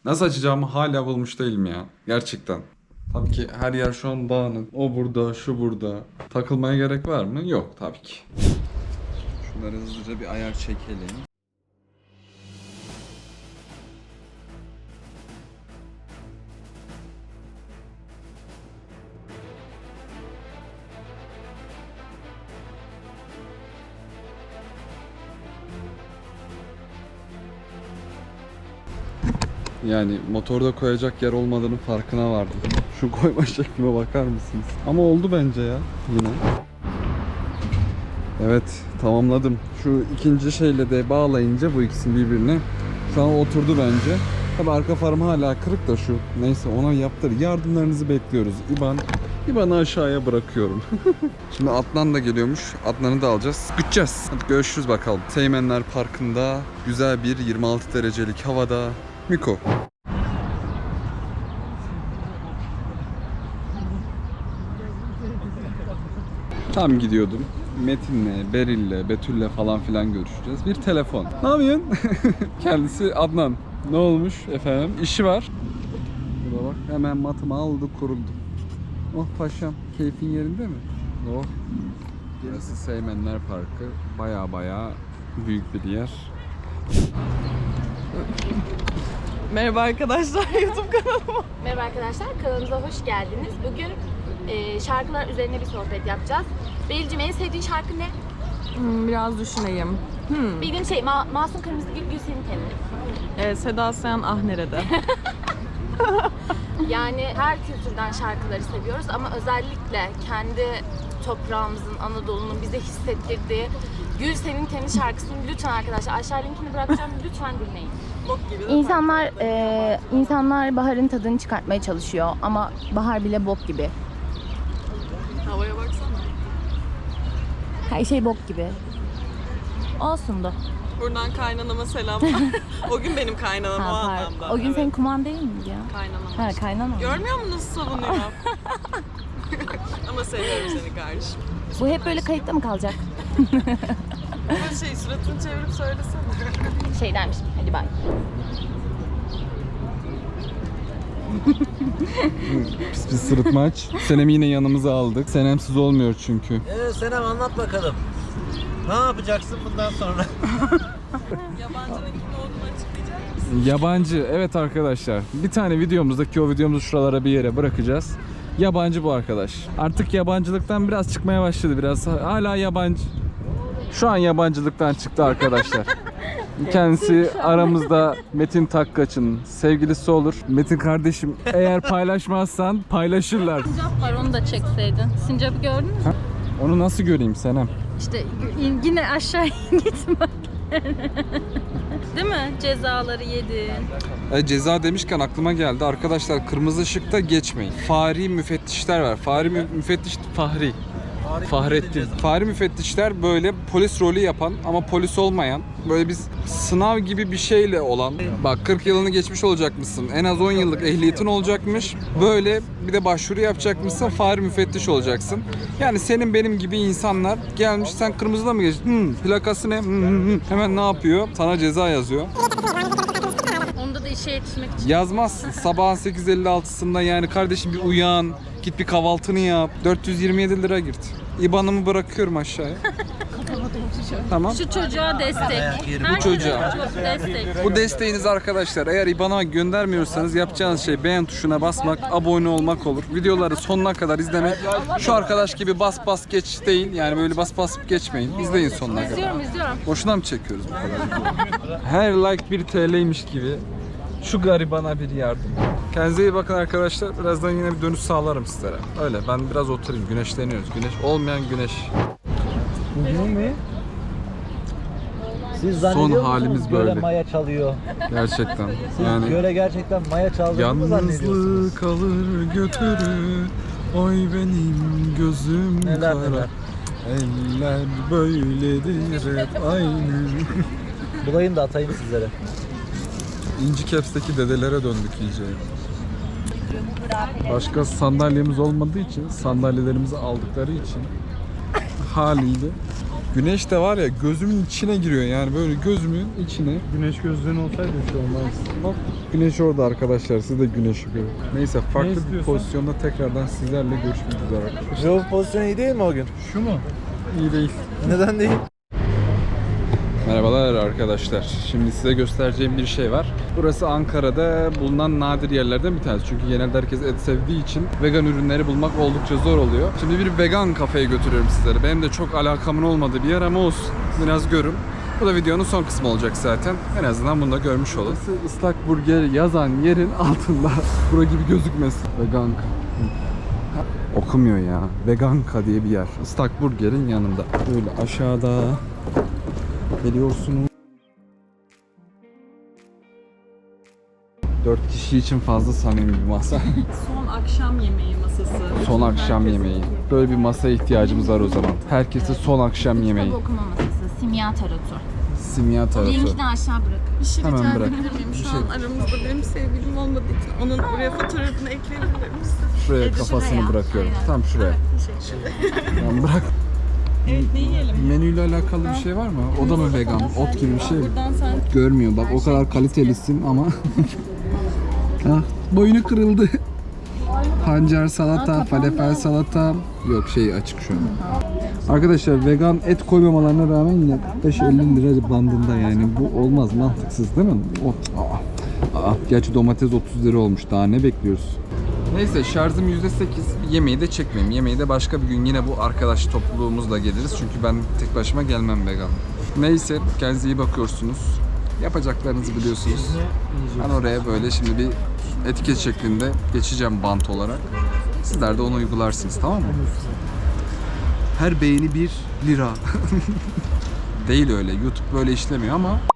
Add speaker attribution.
Speaker 1: Nasıl açacağımı hala bulmuş değilim ya. Gerçekten. Tabii ki her yer şu an dağınık. O burada, şu burada. Takılmaya gerek var mı? Yok tabii ki. Şunları hızlıca bir ayar çekelim. Yani motorda koyacak yer olmadığının farkına vardım. Şu koyma şeklime bakar mısınız? Ama oldu bence ya yine. Evet, tamamladım. Şu ikinci şeyle de bağlayınca bu ikisini birbirine şu an oturdu bence. Tabi arka farım hala kırık da şu. Neyse ona yaptır. Yardımlarınızı bekliyoruz. İban'ı aşağıya bırakıyorum. Şimdi Adnan da geliyormuş. Adnan'ı da alacağız. Gideceğiz. Hadi görüşürüz bakalım. Teğmenler Parkı'nda güzel bir 26 derecelik havada Miko. Tam gidiyordum. Metin'le, Beril'le, Betül'le falan filan görüşeceğiz. Bir telefon. Ne yapıyorsun? Kendisi Adnan. Ne olmuş efendim? İşi var. Burada bak hemen matımı aldı kuruldu. Oh paşam, keyfin yerinde mi? Oh. Burası Seymenler Parkı. Baya büyük bir yer.
Speaker 2: Merhaba arkadaşlar YouTube kanalıma.
Speaker 3: Merhaba arkadaşlar, kanalımıza hoş geldiniz. Bugün şarkılar üzerine bir sohbet yapacağız. Beril'cim en sevdiğin şarkı ne?
Speaker 2: Biraz düşüneyim.
Speaker 3: Bildiğin şey, Masum Kırmızıgül Gül Senin Tenin.
Speaker 2: Seda Sayan Ah Nerede?
Speaker 3: Yani her kültürden şarkıları seviyoruz ama özellikle kendi toprağımızın, Anadolu'nun bize hissettirdiği Gül Senin Tenin şarkısını lütfen arkadaşlar aşağı linkini bırakacağım, lütfen dinleyin.
Speaker 2: Bok gibi.
Speaker 4: İnsanlar baharın tadını çıkartmaya çalışıyor ama bahar bile bok gibi.
Speaker 2: Havaya baksana.
Speaker 4: Her şey bok gibi. Olsun da.
Speaker 2: Buradan kaynanama selam. O gün benim kaynanam o anlamda.
Speaker 4: O gün senin kuman değil miydi ya?
Speaker 2: Kaynanam.
Speaker 4: Ha, kaynana.
Speaker 2: Görmüyor musun nasıl savunuyor? Ama seviyorum seni kardeşim.
Speaker 4: Bu hep böyle kayıtta mı kalacak?
Speaker 2: Ama suratını çevirip söylesene.
Speaker 4: Şey dermişim, hadi bay.
Speaker 1: Pis sırıtmaç. Senem'i yine yanımıza aldık. Senemsiz olmuyor çünkü.
Speaker 5: Senem anlat bakalım. Ne yapacaksın bundan sonra?
Speaker 2: Yabancının kim olduğunu açıklayacak mısın?
Speaker 1: Yabancı, evet arkadaşlar. Bir tane videomuzdaki o videomuzu şuralara bir yere bırakacağız. Yabancı bu arkadaş. Artık yabancılıktan biraz çıkmaya başladı biraz. Hala yabancı. Şu an yabancılıktan çıktı arkadaşlar. Kendisi aramızda Metin Takkaç'ın sevgilisi olur. Metin kardeşim eğer paylaşmazsan paylaşırlar.
Speaker 4: Sincap var, onu da çekseydin. Sincap'ı gördün mü?
Speaker 1: Onu nasıl göreyim Senem?
Speaker 4: İşte yine aşağı gitme. Değil mi? Cezaları yedin.
Speaker 1: Ceza demişken aklıma geldi. Arkadaşlar kırmızı ışıkta geçmeyin. Fahri müfettişler var. Fahrettin. Fahri müfettişler böyle polis rolü yapan ama polis olmayan, böyle biz sınav gibi bir şeyle olan, bak 40 yılını geçmiş olacakmışsın, en az 10 yıllık ehliyetin olacakmış, böyle bir de başvuru yapacakmışsın, fahri müfettiş olacaksın. Yani senin benim gibi insanlar gelmiş, sen kırmızıda mı geçtin? Plakası ne? Hemen ne yapıyor? Sana ceza yazıyor.
Speaker 4: Onda da işe yetişmek için.
Speaker 1: Yazmazsın. Sabahın 8.56'sında yani kardeşim bir uyan, git bir kahvaltını yap. 427 lira girt. İban'ımı bırakıyorum aşağıya. Tamam.
Speaker 4: Şu çocuğa destek.
Speaker 1: Bu çocuğa.
Speaker 4: Destek.
Speaker 1: Bu desteğiniz arkadaşlar. Eğer İban'a göndermiyorsanız yapacağınız şey beğen tuşuna basmak, abone olmak olur. Videoları sonuna kadar izlemek. Şu arkadaş gibi bas bas geç değil. Yani böyle bas bas geçmeyin. İzleyin sonuna kadar.
Speaker 4: İzliyorum.
Speaker 1: Boşuna mı çekiyoruz bu kadar? Her like 1 TL'ymiş gibi. Şu garibana bir yardım. Kendinize iyi bakın arkadaşlar. Birazdan yine bir dönüş sağlarım sizlere. Öyle ben biraz oturayım. Güneşleniyoruz. Güneş olmayan güneş.
Speaker 5: Ne? Siz zannediyor musunuz
Speaker 1: halimiz
Speaker 5: göle
Speaker 1: böyle.
Speaker 5: maya çalıyor?
Speaker 1: Gerçekten.
Speaker 5: Siz
Speaker 1: Yani
Speaker 5: göle gerçekten maya çaldığını mı zannediyorsunuz?
Speaker 1: yalnızlık alır götürür. Oy benim gözüm
Speaker 5: Neler
Speaker 1: kara.
Speaker 5: neler.
Speaker 1: Eller böyledir hep aynı.
Speaker 5: Bulayım da atayım sizlere.
Speaker 1: İnci Caps'teki dedelere döndük iyice. Başka sandalyemiz olmadığı için, sandalyelerimizi aldıkları için haliyle Güneş de var ya gözümün içine giriyor yani böyle gözümün içine.
Speaker 6: Güneş gözlüğün olsaydı şu olmaz.
Speaker 1: Bak güneş orada arkadaşlar, siz de güneşi görün. Neyse farklı bir
Speaker 6: istiyorsun?
Speaker 1: pozisyonda tekrardan sizlerle görüşmek üzere arkadaşlar.
Speaker 5: Jov pozisyonu iyi değil mi o gün?
Speaker 6: Şu mu?
Speaker 1: İyi değil.
Speaker 5: Neden değil?
Speaker 1: Merhabalar arkadaşlar. Şimdi size göstereceğim bir şey var. Burası Ankara'da bulunan nadir yerlerden bir tanesi. Çünkü genelde herkes et sevdiği için vegan ürünleri bulmak oldukça zor oluyor. Şimdi bir vegan kafeye götürüyorum sizleri. Benim de çok alakamın olmadığı bir yer ama olsun. Biraz görün. Bu da videonun son kısmı olacak zaten. En azından bunu da görmüş olun. Burası ıslak burger yazan yerin altında. Bura gibi gözükmesin. Veganka. Okumuyor ya. Veganka diye bir yer. Islak burgerin yanında. Böyle aşağıda geliyorsunuz. 4 kişi için fazla samimi bir masa.
Speaker 2: Son akşam yemeği masası.
Speaker 1: Son akşam yemeği. Böyle bir masaya ihtiyacımız var o zaman. Herkese son akşam yemeği.
Speaker 4: Kitap okuma masası, simya tarotu.
Speaker 1: Simya tarafı.
Speaker 4: Linkini aşağı bırakın.
Speaker 2: Bir şey
Speaker 1: Hemen
Speaker 2: rica
Speaker 1: bırak.
Speaker 2: edebilir miyim?
Speaker 1: Bir
Speaker 2: Şu
Speaker 1: şey-
Speaker 2: an aramızda benim sevgilim olmadığı için onun buraya fotoğrafını ekleyebilir misin?
Speaker 1: Şuraya kafasını
Speaker 4: şuraya.
Speaker 1: bırakıyorum. Tam şuraya.
Speaker 2: Teşekkürler.
Speaker 1: Tamam, bırak.
Speaker 2: Evet, ne yiyelim?
Speaker 1: Menüyle alakalı bir şey var mı? O da mı vegan? Ot gibi bir şey mi?
Speaker 2: Buradan sen
Speaker 1: Görmüyor bak, o kadar kalitelisin ama ah, boynu kırıldı. Pancar salata, falafel salata. Yok, şey açık şu an. Arkadaşlar vegan et koymamalarına rağmen yine 45-50 lira bandında, yani bu olmaz, mantıksız değil mi? Gerçi domates 30 lira olmuş, daha ne bekliyoruz? Neyse, şarjım %8. Yemeği de çekmeyeyim. Yemeği de başka bir gün yine bu arkadaş topluluğumuzla geliriz. Çünkü ben tek başıma gelmem vegan. Neyse, kendinize iyi bakıyorsunuz. Yapacaklarınızı biliyorsunuz. Ben oraya böyle şimdi bir etiket şeklinde geçeceğim bant olarak. Sizler de onu uygularsınız, tamam mı? Her beğeni 1 lira. Değil öyle. YouTube böyle işlemiyor ama